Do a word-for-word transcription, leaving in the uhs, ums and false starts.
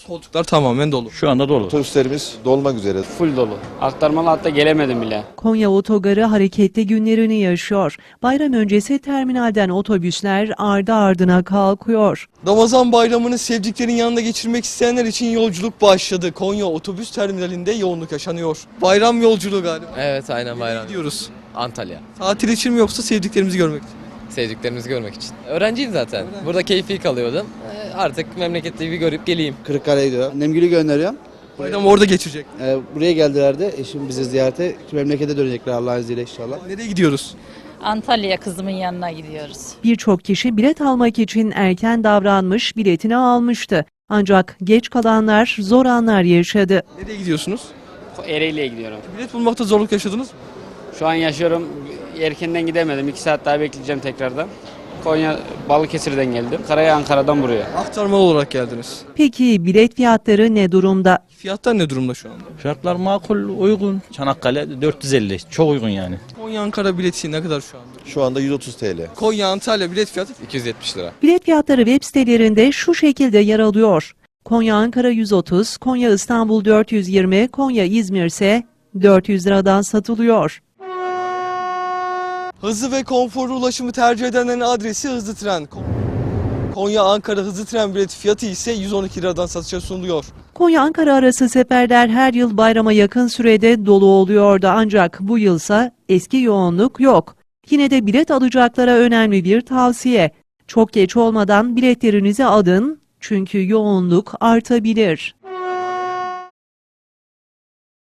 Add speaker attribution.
Speaker 1: Koltuklar tamamen dolu.
Speaker 2: Şu anda dolu.
Speaker 3: Otobüslerimiz dolmak üzere.
Speaker 4: Full dolu. Aktarmalı hatta gelemedim bile.
Speaker 5: Konya Otogarı hareketli günlerini yaşıyor. Bayram öncesi terminalden otobüsler ardı ardına kalkıyor.
Speaker 1: Ramazan bayramını sevdiklerin yanında geçirmek isteyenler için yolculuk başladı. Konya otobüs terminalinde yoğunluk yaşanıyor. Bayram yolculuğu galiba.
Speaker 6: Evet, aynen bayram.
Speaker 1: Gidiyoruz.
Speaker 6: Antalya.
Speaker 1: Tatil için mi yoksa sevdiklerimizi görmek için?
Speaker 6: Sevdiklerimizi görmek için. Öğrenciyim zaten. Burada keyfi kalıyordum. Ee, Artık memlekette bir görüp geleyim.
Speaker 7: Kırıkkale'ye gidiyor. Annemgül'ü gönderiyorum.
Speaker 1: Bayram orada geçecek.
Speaker 7: Ee, buraya geldiler de eşim bizi ziyarete. Memlekete dönecekler Allah'ın izniyle inşallah.
Speaker 1: Nereye gidiyoruz?
Speaker 8: Antalya kızımın yanına gidiyoruz.
Speaker 5: Birçok kişi bilet almak için erken davranmış, biletini almıştı. Ancak geç kalanlar zor anlar yaşadı.
Speaker 1: Nereye gidiyorsunuz?
Speaker 4: Ereğli'ye gidiyorum.
Speaker 1: Bilet bulmakta zorluk yaşadınız mı?
Speaker 4: Şu an yaşıyorum. Erkenden gidemedim. iki saat daha bekleyeceğim tekrardan. Konya Balıkesir'den geldim. Karaya Ankara'dan buraya.
Speaker 1: Aktarmalı olarak geldiniz.
Speaker 5: Peki bilet fiyatları ne durumda?
Speaker 1: Fiyatlar ne durumda şu anda?
Speaker 2: Fiyatlar makul, uygun. Çanakkale dört yüz elli. Çok uygun yani.
Speaker 1: Konya Ankara bileti ne kadar şu anda?
Speaker 3: Şu anda yüz otuz T L.
Speaker 1: Konya Antalya bilet fiyatı
Speaker 6: iki yüz yetmiş lira.
Speaker 5: Bilet fiyatları web sitelerinde şu şekilde yer alıyor. Konya Ankara yüz otuz, Konya İstanbul dört yüz yirmi, Konya İzmir ise dört yüz liradan satılıyor.
Speaker 1: Hızlı ve konforlu ulaşımı tercih edenlerin adresi Hızlı Tren. Konya Ankara Hızlı Tren bileti fiyatı ise yüz on iki liradan satışa sunuluyor.
Speaker 5: Konya Ankara arası seferler her yıl bayrama yakın sürede dolu oluyordu ancak bu yılsa eski yoğunluk yok. Yine de bilet alacaklara önemli bir tavsiye. Çok geç olmadan biletlerinizi alın çünkü yoğunluk artabilir.